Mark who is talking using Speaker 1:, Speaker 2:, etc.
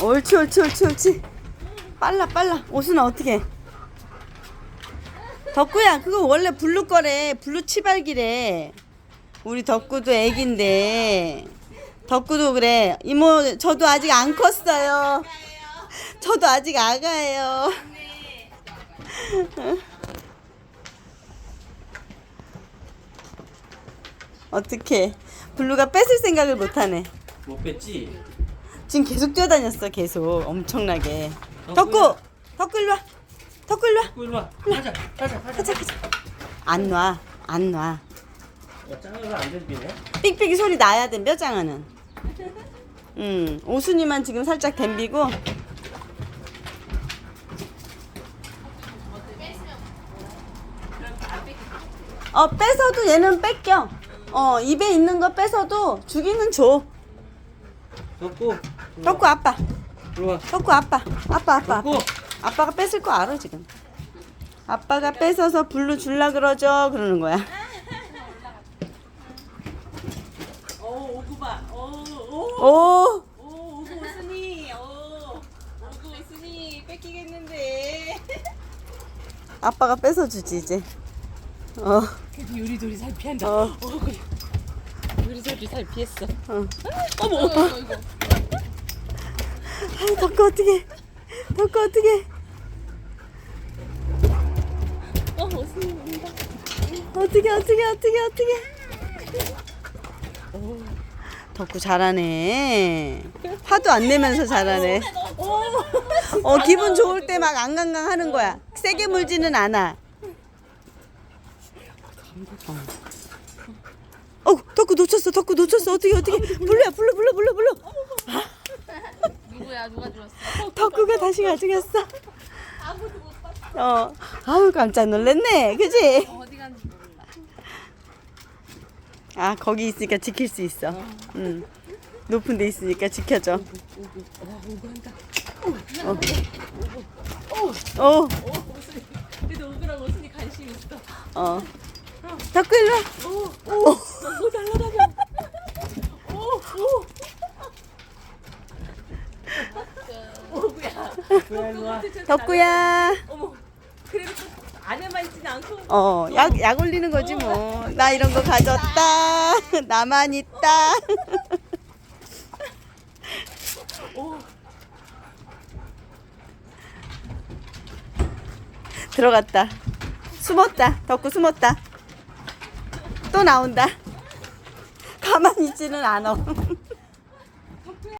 Speaker 1: 옳지 옳지 옳지 옳지. 빨라 빨라. 오순아 어떻게? 덕구야 그거 원래 블루 거래. 블루 치발기래. 우리 덕구도 애기인데. 덕구도 그래. 이모 저도 아직 안 컸어요. 저도 아직 아가예요. 어떻게? 블루가 뺏을 생각을 못하네.
Speaker 2: 못 뺐지?
Speaker 1: 지금 계속 뛰어다녔어. 계속 엄청나게.
Speaker 2: 덕구야.
Speaker 1: 덕구 일로 와. 덕구 일로 와.
Speaker 2: 덕구 일로 와. 가자. 가자.
Speaker 1: 가자 가자. 안 놔. 안 놔.
Speaker 2: 짱이가 안 들리네.
Speaker 1: 삑삑이 소리 나야 돼. 뼈장어는. 오순이만 지금 살짝 댐비고. 뺏어도 얘는 뺏겨. 입에 있는 거 뺏어도 주기는 줘.
Speaker 2: 덕구.
Speaker 1: 덕구 아빠.
Speaker 2: 일로 와.
Speaker 1: 덕구 아빠. 아빠.
Speaker 2: 덕구.
Speaker 1: 아빠가 뺏을 거 알아 지금. 아빠가 뺏어서 블루 줄라 그러죠. 그러는 거야.
Speaker 3: 오구 봐.
Speaker 1: 오.
Speaker 3: 오구 오순이. 오구 오순이 뺏기겠는데.
Speaker 1: 아빠가 뺏어주지 이제.
Speaker 3: 그래도 요리조리 잘 피한다. 그래. 요리조리 잘 피했어. 어머. 이거.
Speaker 1: 아이, 덕구 어떡해. 덕구 어떡해.
Speaker 3: 오순이 온다.
Speaker 1: 어떡해. 덕구 잘하네. 화도 안 내면서 잘하네. 기분 좋을 때 막 앙강강 하는 거야. 세게 물지는 않아. 덕구 놓쳤어. 어떻게. 불러야. 불러.
Speaker 3: 누구야? 누가 들었어?
Speaker 1: 덕구가 다시 가져갔어.
Speaker 3: 아무도 못 봤어.
Speaker 1: 아우 깜짝 놀랐네. 그지?
Speaker 3: 어디 간지 몰라.
Speaker 1: 아 거기 있으니까 지킬 수 있어. 높은 데 있으니까 지켜줘.
Speaker 3: 오구 한다. 오순이. 그래도 오구랑 오순이 관심 있어.
Speaker 1: 덕구 일로 와.
Speaker 3: 오 날라다녀. 오구야.
Speaker 2: 일로 와.
Speaker 1: 덕구야.
Speaker 3: 어머. 그래도 또 안에만 있지는 않고.
Speaker 1: 약 올리는 거지 뭐. 나 이런 거 가졌다. 나만 있다. 들어갔다. 숨었다. 덕구 숨었다. 또 나온다. 가만히 있지는 않아.